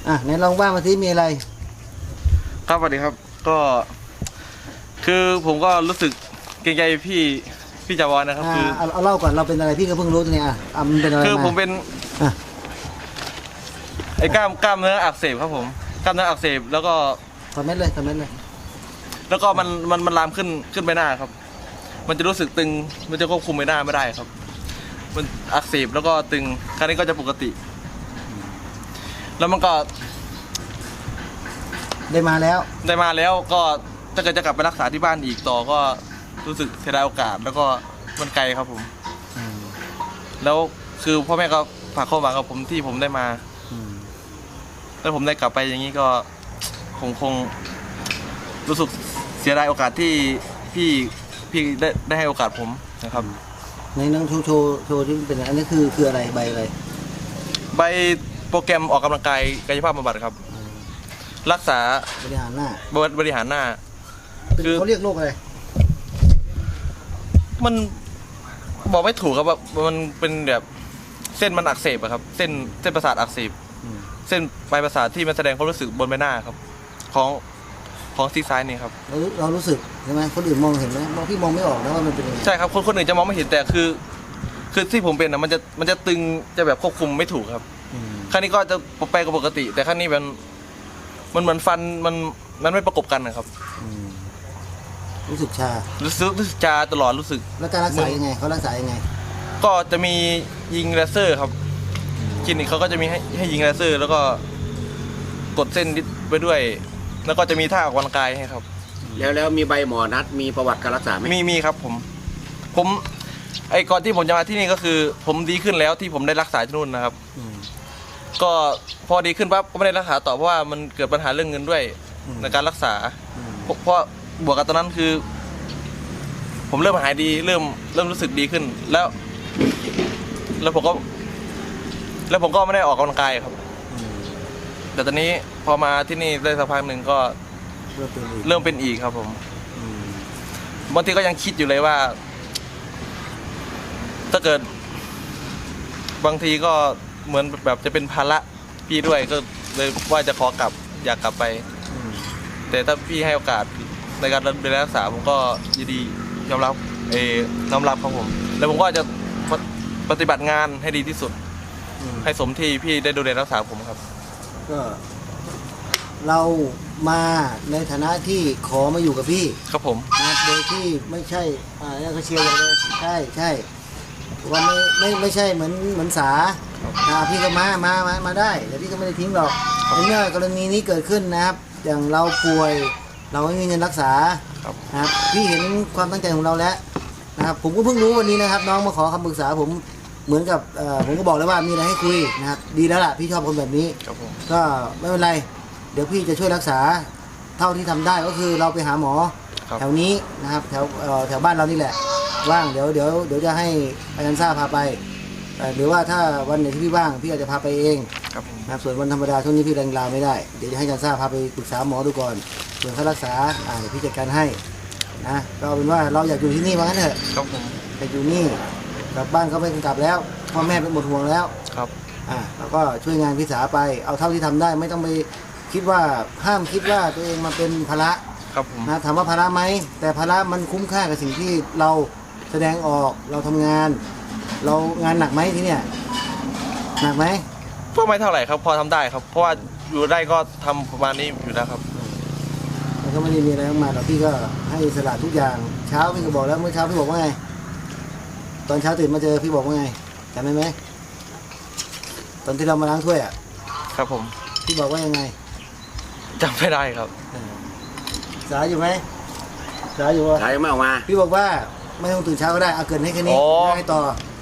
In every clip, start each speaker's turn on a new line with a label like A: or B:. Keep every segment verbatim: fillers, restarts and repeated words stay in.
A: อ่ะไหนลองว่ามาสิมีอะไร
B: ครับสวัสดีครับก็คือผมก็รู้สึกเกรงใจพี่พี่จาวอนนะครับคือ
A: เอาเอาเล่าก่อนเราเป็นอะไรพี่ก็เพิ่งรู้ตัวนี้อ่ะอ่ะมันเป็นอะไร
B: คือผมเป็น
A: อ่ะ
B: ไอ้กล้ามกล้ามเนื้ออักเสบครับผมกล้ามเนื้ออักเสบแล้วก็
A: คอมเมนต์เลยคอมเมนต์เลย
B: แล้วก็มันมันมันลามขึ้นขึ้นไปหน้าครับมันจะรู้สึกตึงมันจะควบคุมใบหน้าไม่ได้ครับมันอักเสบแล้วก็ตึงครั้งนี้ก็จะปกติแล้วมันก็
A: ได้มาแล้ว
B: ได้มาแล้วก็ถ้าเกิดจะกลับไปรักษาที่บ้านอีกต่อก็รู้สึกเสียดายโอกาสแล้วก็มันไกลครับผมแล้วคือพ่อแม่ก็ฝากความหวังกับผมที่ผมได้มาถ้าผมได้กลับไปอย่างนี้ก็คงคงรู้สึกเสียดายโอกาสที่พี่พี่ได้ได้ให้โอกาสผมนะครับ
A: ในนั่งโชว์โชว์โชว์ที่เป็นอันนี้คือคืออะไรใบอะไร
B: ใบโปรแกรมออกกำลังกายกายภาพบำบัดครับรักษา
A: บริหารหน้า
B: บริหารหน้า
A: คือเขาเรียกโรคอะไร
B: มันบอกไม่ถูกครับว่ามันเป็นแบบเส้นมันอักเสบอะครับเส้นเส้นประสาทอักเสบเส้นปลายประสาทที่มันแสดงความรู้สึกบนใบหน้าครับของของซีกซ้ายนี่ครับ
A: เราเรารู้สึกใช่ไหมคนอื่นมองเห็นไหมมองพี่มองไม่ออกนะว่ามันเป็นยังไง
B: ใช่ครับคนคนอื่นจะมองไม่เห็นแต่คือคือที่ผมเป็นอะมันจะมันจะตึงจะแบบควบคุมไม่ถูกครับครั้งนี้ก็จะไปกับปกติแต่ครั้งนี้มันมันเหมือนฟันมันมันไม่ประกบกันนะครับ
A: รู้สึกชา
B: รู้สึกรู้สึกชาตลอดรู้สึก
A: แล้วการรักษายังไงเขารักษายังไง
B: ก็จะมียิงเลเซอร์ครับคลินิกเขาก็จะมีให้ให้ยิงเลเซอร์แล้วก็กดเส้นไปด้วยแล้วก็จะมีท่าออกกำลังกายให้ครับ
C: แล้วแล้วมีใบหมอนัดมีประวัติการรักษาไหม
B: มีมีครับผมผมไอ้ก่อนที่ผมจะมาที่นี่ก็คือ ผมดีขึ้นแล้วที่ผมได้รักษาที่นู่นนะครับก็พอดีขึ้นปั๊บก็ไม่ได้รักษาต่อเพราะว่ามันเกิดปัญหาเรื่องเงินด้วยในการรักษาเพราะบวกกับตอนนั้นคือ ผมเริ่มหายดีเริ่มเริ่มรู้สึกดีขึ้นแล้ว แล้วผมก็ แล้วผมก็ไม่ได้ออกกำลังกายครับแต่ตอนนี้พอมาที่นี่ได้สักพักหนึ่งก็เริ่มเป็นอีกครับผมบางทีก็ยังคิดอยู่เลยว่า ถ้าเกิด บางทีก็เหมือนแบบจะเป็นภาระพี่ด้วยก็เลยว่าจะขอกลับอยากกลับไปแต่ถ้าพี่ให้โอกาสในการดูแลรักษาผมก็ยินดียอมรับเออยอมรับครับผมแล้วผมก็จะปฏิบัติงานให้ดีที่สุดให้สมที่พี่ได้ดูแลรักษาผมครับ
A: ก็เรามาในฐานะที่ขอมาอยู่กับพี่
B: ครับผม
A: นะโดยที่ไม่ใช่อ่าเนี่ยเขาเชียร์เลยใช่ใช่ว่าไม่ไม่ไม่ใช่เหมือนเหมือนสาอ่าพี่ก็มามามามาได้แต่พี่ก็ไม่ได้ทิ้งหรอกในเมื่อกรณีนี้เกิดขึ้นนะครับอย่างเราป่วยเราไม่มีเงินรักษานะครับพี่เห็นความตั้งใจของเราแล้วนะครับผมก็เพิ่งรู้วันนี้นะครับน้องมาขอคำปรึกษาผมเหมือนกับผมก็บอกแล้วว่ามีอะไรให้คุยนะครับดีแล้วล่ะพี่ชอบคนแบบนี้ก็ไม่เป็นไรเดี๋ยวพี่จะช่วยรักษาเท่าที่ทำได้ก็คือเราไปหาหมอแถวนี้นะครับแถวแถวบ้านเรานี่แหละว่างเดี๋ยวเดี๋ยวเดี๋ยวจะให้อาจารย์ซ่าพาไปหรือว่าถ้าวันไหนที่พี่ว่างพี่อาจจะพาไปเองนะครับส่วนวันธรรมดาช่วงนี้พี่แรงลาไม่ได้เดี๋ยวจะให้อาจารย์ซ่าพาไปปรึกษาหมอดูก่อนส่วนค่ารักษาอ่าเดี๋ยวพี่จัดการให้นะก็เป็นว่าเราอยากอยู่ที่นี่ว่างั้นเถอะ
B: ครับผม
A: อยากอยู่นี่กลับบ้านก็ไม่กลับแล้วพ่อแม่เป็นหมดห่วงแล้ว
B: ครับ
A: อ่าแล้วก็ช่วยงานพี่สาไปเอาเท่าที่ทำได้ไม่ต้องไปคิดว่าห้ามคิดว่าตัวเองมาเป็นภาระ
B: ครับผม
A: นะถามว่าภาระไหมแต่ภาระมันคุ้มค่ากับสิ่งที่เราแสดงออกเราทำงานเรางานหนักไหมที่เนี่ยหนักไหม
B: ก็ไม่เท่าไหร่ครับพอทำได้ครับเพราะว่าอยู่ได้ก็ทำประมาณนี้อยู่แล้วครับ
A: แล้วก็ไม่ได้มีอะไรมาแต่พี่ก็ให้สละทุกอย่างเช้าพี่ก็บอกแล้วเมื่อเช้าพี่บอกว่าไงตอนเช้าตื่นมาเจอพี่บอกว่าไงจำได้ไหมตอนที่เรามาล้างถ้วยอ่ะ
B: ครับผม
A: พี่บอกว่ายังไง
B: จำไม่ได้ครับ
A: สายอยู่ไหมสายอยู่วะ
C: สายไม่ออกมา
A: พี่บอกว่าไม่ต้องตื่นเช้าก็ได้เอาเกินให้แค่นี้ให้ต่อ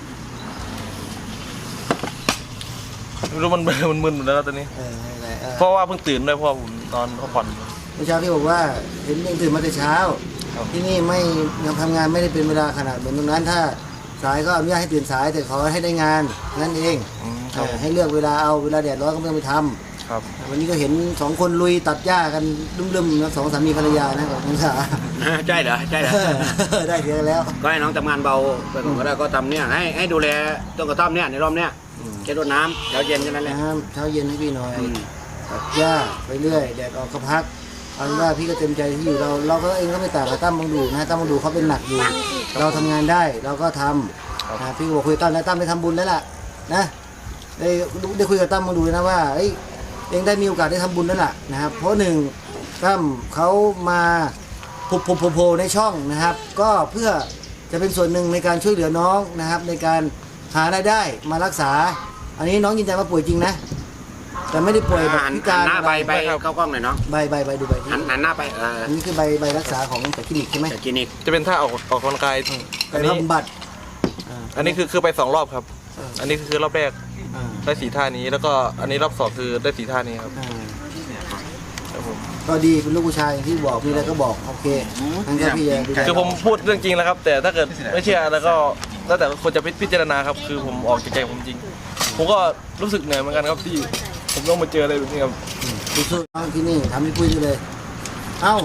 B: ไม่รู้มันมันมึนหมดแล้วตอนนี้เพราะว่าเพิ่งตื่นด้วยเพราะผมนอนพักผ่อน
A: เมื่อเช้าพี่บอกว่าเห็นยังตื่นมาแต่เช้าที่นี่ไม่ยังทำงานไม่ได้เป็นเวลาขนาดเหมือนตรงนั้นถ้าสายก็อนุญาตให้ตื่นสายแต่ขอให้ได้งานนั่นเองให้เลือกเวลาเอาเวลาแดดร้อนก็ไม่ต้องไปทำวันนี้ก็เห็นสองคนลุยตัดหญ้ากันลุ่มๆนะสองสามีภรรยานะกับคุณสา
C: ใช่เหรอใช่เหรอ
A: ได้เดียวแล้ว
C: ก็ให้น้องทำงานเบาไปก่อนก็ได้ก็ทำเนี่ยให้ให้ดูแลต้นกระท่อมเนี่ยในรอบเนี้ยแค่รดน้ำเช้าเย็นแค่นั้นแหละ
A: เช้าเย็นให้พี่หน่อยตัดหญ้าไปเรื่อยแดดออกก็พักเอาเป็นว่าพี่ก็เต็มใจที่อยู่เราเราก็เองก็ไม่ต่างกับตั้มบังดูนะตั้มบังดูเขาเป็นหนักอยู่ เราทำงานได้เราก็ทำนะพี่ก็บอกคุยกับตั้มแล้วตั้มไปทำบุญแล้วล่ะนะได้ได้คุยกับตั้มบังดูนะว่าเอ้ยเองได้มีโอกาสได้ทำบุญแล้วล่ะนะครับเพราะหนึ่งตั้มเขามาพุบพุบโผล่ในช่องนะครับ ก็เพื่อจะเป็นส่วนหนึ่งในการช่วยเหลือน้องนะครับ ในการหารายได้มารักษา อันนี้น้องยืนยันว่าป่วยจริงนะ แต่ไม่ได้ป่วยแบบ
C: หัน
A: พิการ
C: หน้าไปไป
B: ครับ
C: เข้ากล้องหน่อยเนาะ
A: ใบใบใบดูใบ
C: หันหันหน้าไปเออ
A: อันนี้คือใบใบรักษาของแต่คลินิกใช่ไหม
C: จากคลินิก
B: จะเป็นท่าออกออกกำลังกาย
A: ไป
B: อันนี้
A: บำบัดอ่า
B: อันนี้คือคือไปสองรอบครับ
A: เออ
B: อันนี้คือรอบแรก
A: อ่า
B: ได้สีท่านี้ แล้วก็อันนี้รอบสองคือได้สีท่านี้ครับ
A: อ่า
B: ครับผม
A: ก็ดีเป็นลูกผู้ชายอย่างที่บอกมีอะไรก็บอกโอเคงั้นก็พี่จะดูแล
B: คือผมพูดเรื่องจริงแล้วครับ แต่ถ้าเกิดไม่เชื่อแล้วก็แล้วแต่คนจะพิจารณาครับ คือผมออกจากใจผมจริง ผมก็รู้สึกเหนื่อยเหมือนกันครับที่ผมต้องมาเจออะไรแบบนี้ครับ
A: สู้ๆน้องที่นี่ทำให้คุยดูเลย เอ้า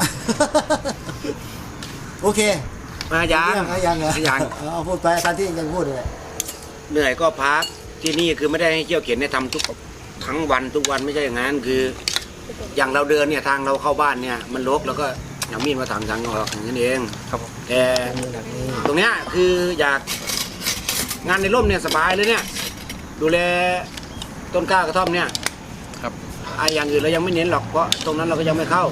A: โอเค
C: มายัง
A: เรื่องอะยังเหรอ
C: ยัง
A: เอาพูดไปตามที่ยังพูดเลย
C: เหนื่อยก็พักที่นี่คือไม่ได้ให้เที่ยวเข็นให้ทำทุกทั้งวันทุกวันไม่ใช่อย่างนั้นคือ อย่างเราเดินเนี่ยทางเราเข้าบ้านเนี่ยมันรกแล้วก็เอามีดมาถางทางออกอย่างนั้นเอง
B: ครับผม
C: แต่
A: มือหนักนี่
C: ตรงเนี้ยคืออยากงานในร่มเนี่ยสบายเลยเนี่ย ดูแลต้นกล้ากระท่อมเนี่ย
B: ครับ
C: ไอ้อย่างอื่นเรายังไม่เน้นหรอกเพราะตรงนั้นเราก็ยังไม่เข้า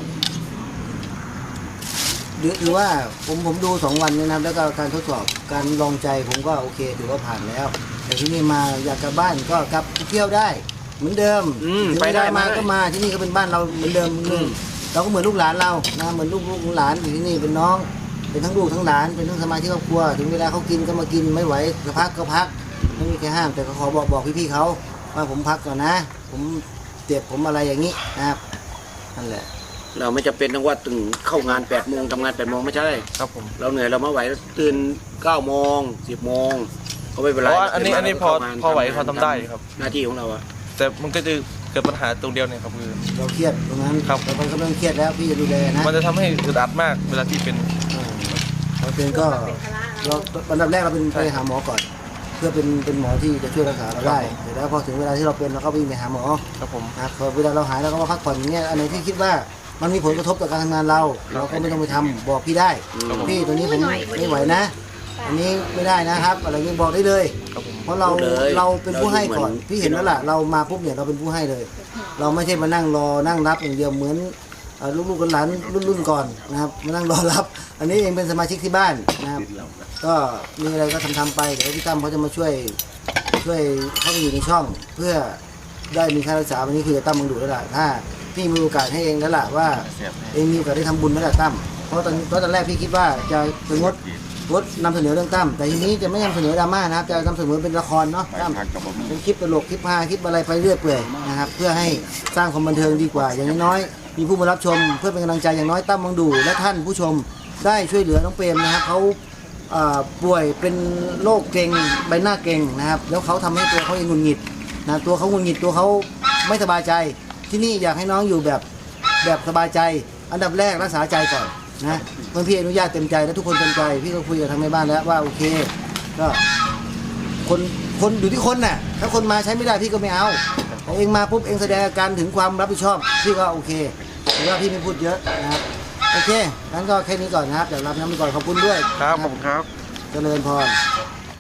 A: หรือหรือว่าผมผมดูสองวันนี้นะครับแล้วก็การทดสอบการลองใจผมก็โอเคถือว่าผ่านแล้ว แต่ที่นี่มาอยากกลับบ้านก็กลับเที่ยวได้ เหมือนเดิม
C: อืม
A: ถึง
C: ไป
A: เว
C: ได้
A: ลามา
C: มาได้
A: ก็มาที่นี่ก็เป็นบ้านเราเหมือนเดิม
C: อืม
A: เราก็เหมือนลูกหลานเรานะเหมือนลูกลูกหลานอยู่ที่นี่เป็นน้อง เป็นทั้งลูกทั้งหลานเป็นทั้งสมาชิกครอบครัวถึงเวลาเขากินก็มากินไม่ไหวจะพักก็พักไม่มีใครห้ามแต่ก็ขอบอกบอกพี่ๆเขาว่าผมพักก่อนนะ ผมเจ็บผมอะไรอย่างนี้นะครับนั่นแหละ
C: เราไม่จำเป็นต้องว่าตื่นเข้างานแปดโมงทำงานแปดโมงไม่ใช่
B: ครับผม
C: เราเหนื่อยเราไม่ไหวตื่นเก้าโมงสิบโมงก็ไม่เป็นไร
B: เพราะว่าอันนี้
C: ตื่
B: อันนี้
C: มา
B: พอ
C: เข้างาน
B: พอไหว
C: ทำงาน
B: พอทำได้ครับ
C: หน้าที่ของเราอะ
B: แต่มันก็จะเกิดปัญหาตรงเดียวเนี่ยครับคือ
A: เราเครียดตรงนั้น
B: ครับ
A: เราก็เริ่มเครียดแล้วพี่จะดูแลนะ
B: มันจะทำให้อึดอัดมากเวลาที่เป็น
A: เราเป็นก็เราอันดับแรกเราเป็นไปหาหมอก่อน เพื่อเป็นเป็นหมอที่จะช่วยรักษาเราได้เสร็จแล้วพอถึงเวลาที่เราเป็นเราก็วิ่งไปหาหมอ
B: ครับผม
A: นะครับพอเวลาเราหายเราก็มาพักผ่อนอย่างเงี้ยอันไหนที่คิดว่ามันมีผลกระทบต่อการทำงานเรา เราก็ไม่ต้องไปทำบอกพี่ได้พี่ตัวนี้ผมไม่ไหวนะ อันนี้ไม่ได้นะครับ อะไรเงี้ยบอกได้เลย
B: ครับผม
A: เพราะเรา
C: พูดเลย
A: เราเป็นผู้ให้ก่อน
C: เราอยู่เหมือน
A: พี่เห็นแล้วล่ะเรามาปุ๊บเนี่ยเราเป็นผู้ให้เลย เราไม่ใช่มานั่งรอนั่งรับอย่างเดียวเหมือนเอ่อลูกๆหลานรุ่นรุ่นๆก่อนนะครับมานั่งรอรับ อันนี้เองเป็นสมาชิกที่บ้านนะครับ ก็มีอะไรก็ทำทำไปเดี๋ยวพี่ตั้มเขาจะมาช่วยช่วยเข้าไปอยู่ในช่อง เพื่อได้มีค่ารักษาวันนี้คือจะตั้มมึงดูแล้วล่ะถ้าพี่มีโอกาสให้เองแล้วล่ะว่าเองมีโอกาสได้ทำบุญแล้วล่ะตั้มเพราะตอนเพราะตอนแรกพี่คิดว่าจะไปงดงดนำเสนอเรื่องตั้มแต่ทีนี้จะไม่นำเสนอดราม่านะครับจะนำเสนอเป็นละครเนาะตั้มเป็นคลิปตลกคลิปฮาคลิปอะไรไปเรื่อยเปื่อยนะครับเพื่อให้สร้างความบันเทิงดีกว่า อย่างน้อยๆมีผู้มารับชม เพื่อเป็นกำลังใจอย่างน้อยตั้มมึงดูและท่านผู้ชมได้ช่วยเหลือน้องเปรมนะครับเขา อ่าป่วยเป็นโรคเกร็งใบหน้าเกร็งนะครับแล้วเขาทำให้ตัวเขาเองหงุดหงิดนะตัวเขาหงุดหงิดตัวเขาไม่สบายใจ ที่นี่อยากให้น้องอยู่แบบแบบสบายใจ อันดับแรกรักษาใจก่อนนะเพื่อนพี่อนุญาตเต็มใจและทุกคนเต็มใจพี่ก็คุยกับทางแม่บ้านแล้วว่าโอเคก็คนคนอยู่ที่คนน่ะถ้าคนมาใช้ไม่ได้พี่ก็ไม่เอาแต่เองมาปุ๊บเองแสดงอาการถึงความรับผิดชอบพี่ก็โอเคแต่ว่าพี่ไม่พูดเยอะนะครับโอเคงั้นก็แค่นี้ก่อนนะครับเดี๋ยวรับน้ำไปก่อนขอบคุณด้วย
B: ครับผมครับ
A: เจริญพร